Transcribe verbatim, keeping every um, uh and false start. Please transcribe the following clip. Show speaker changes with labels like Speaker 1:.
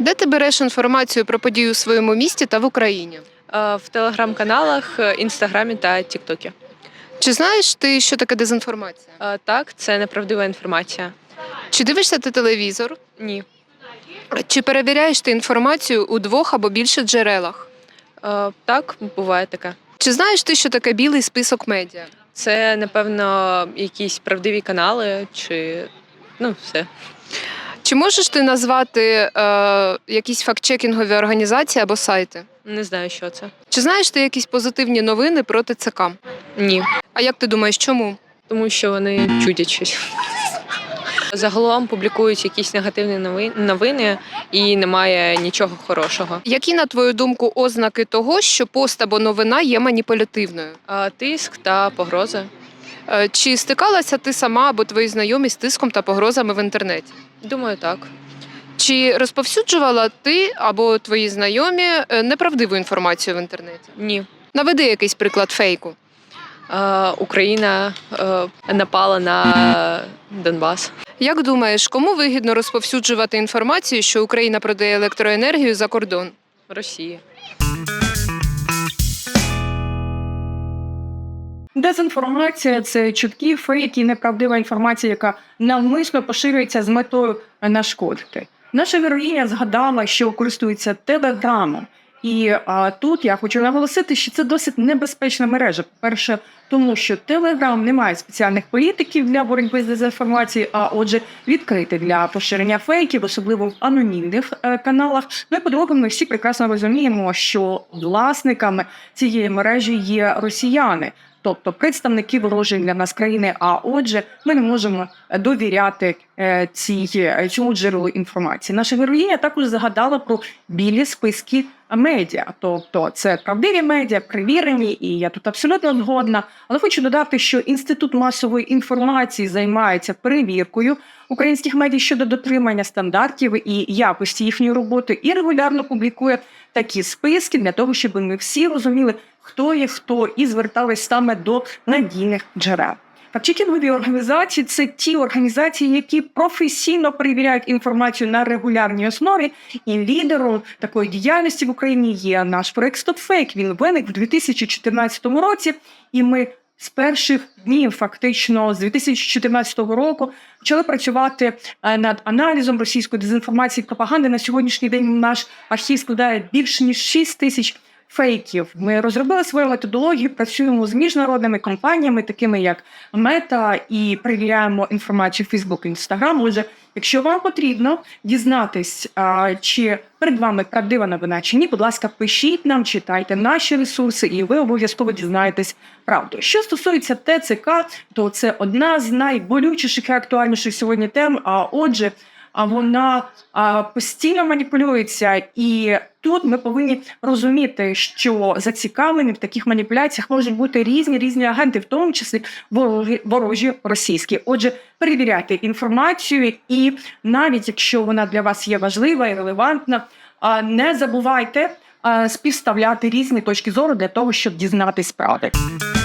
Speaker 1: Де ти береш інформацію про події у своєму місті та в Україні?
Speaker 2: Е, В телеграм-каналах, е, інстаграмі та тіктокі.
Speaker 1: Чи знаєш ти, що таке дезінформація?
Speaker 2: Е, Так, це неправдива інформація.
Speaker 1: Чи дивишся ти телевізор?
Speaker 2: Ні.
Speaker 1: Чи перевіряєш ти інформацію у двох або більше джерелах?
Speaker 2: Е, Так, буває таке.
Speaker 1: Чи знаєш ти, що таке білий список медіа?
Speaker 2: Це, напевно, якісь правдиві канали чи ну, все.
Speaker 1: Чи можеш ти назвати е, якісь фактчекінгові організації або сайти?
Speaker 2: Не знаю, що це.
Speaker 1: Чи знаєш ти якісь позитивні новини про ТЦК?
Speaker 2: Ні.
Speaker 1: А як ти думаєш, чому?
Speaker 2: Тому що вони чудять щось. Загалом публікують якісь негативні нови- новини і немає нічого хорошого.
Speaker 1: Які, на твою думку, ознаки того, що пост або новина є маніпулятивною?
Speaker 2: А тиск та погрози.
Speaker 1: Е, Чи стикалася ти сама або твої знайомі з тиском та погрозами в інтернеті?
Speaker 2: Думаю, так.
Speaker 1: Чи розповсюджувала ти або твої знайомі е, неправдиву інформацію в інтернеті?
Speaker 2: Ні.
Speaker 1: Наведи якийсь приклад фейку.
Speaker 2: Е, Україна е, напала на Донбас.
Speaker 1: Як думаєш, кому вигідно розповсюджувати інформацію, що Україна продає електроенергію за кордон?
Speaker 2: Росії.
Speaker 3: Дезінформація – це чуткі, фейки, неправдива інформація, яка навмисно поширюється з метою нашкодити. Наша героїня згадала, що користується телеграмом. І а, тут я хочу наголосити, що це досить небезпечна мережа. По-перше, тому що Телеграм не має спеціальних політиків для боротьби з дезінформацією, а отже, відкритий для поширення фейків, особливо в анонімних е, каналах. Ну і по-друге, ми всі прекрасно розуміємо, що власниками цієї мережі є росіяни. Тобто представники ворожої для нас країни, а отже, ми не можемо довіряти е, цій, цьому джерелу інформації. Наша героїня також згадала про білі списки медіа. Тобто це правдиві медіа, перевірені, і я тут абсолютно згодна. Але хочу додати, що Інститут масової інформації займається перевіркою українських медіа щодо дотримання стандартів і якості їхньої роботи і регулярно публікує такі списки для того, щоб ми всі розуміли, хто є хто, і звертались саме до надійних джерел. Фактчекінгові організації – це ті організації, які професійно перевіряють інформацію на регулярній основі. І лідером такої діяльності в Україні є наш проект StopFake. Він виник в дві тисячі чотирнадцятому році, і ми з перших днів, фактично, з дві тисячі чотирнадцятого року, почали працювати над аналізом російської дезінформації і пропаганди. На сьогоднішній день наш архів складає більше ніж шість тисяч фейків. Ми розробили свою методологію, працюємо з міжнародними компаніями, такими як Мета, і перевіряємо інформацію Facebook і Instagram. Отже, якщо вам потрібно дізнатись, чи перед вами правдива новина чи ні, будь ласка, пишіть нам, читайте наші ресурси, і ви обов'язково дізнаєтесь правду. Що стосується ТЦК, то це одна з найболючіших і актуальніших сьогодні тем, а отже, а вона а, постійно маніпулюється. І тут ми повинні розуміти, що зацікавлені в таких маніпуляціях можуть бути різні різні агенти, в тому числі ворожі, ворожі російські. Отже, перевіряйте інформацію, і навіть якщо вона для вас є важлива і релевантна, а, не забувайте а, співставляти різні точки зору для того, щоб дізнатись правди.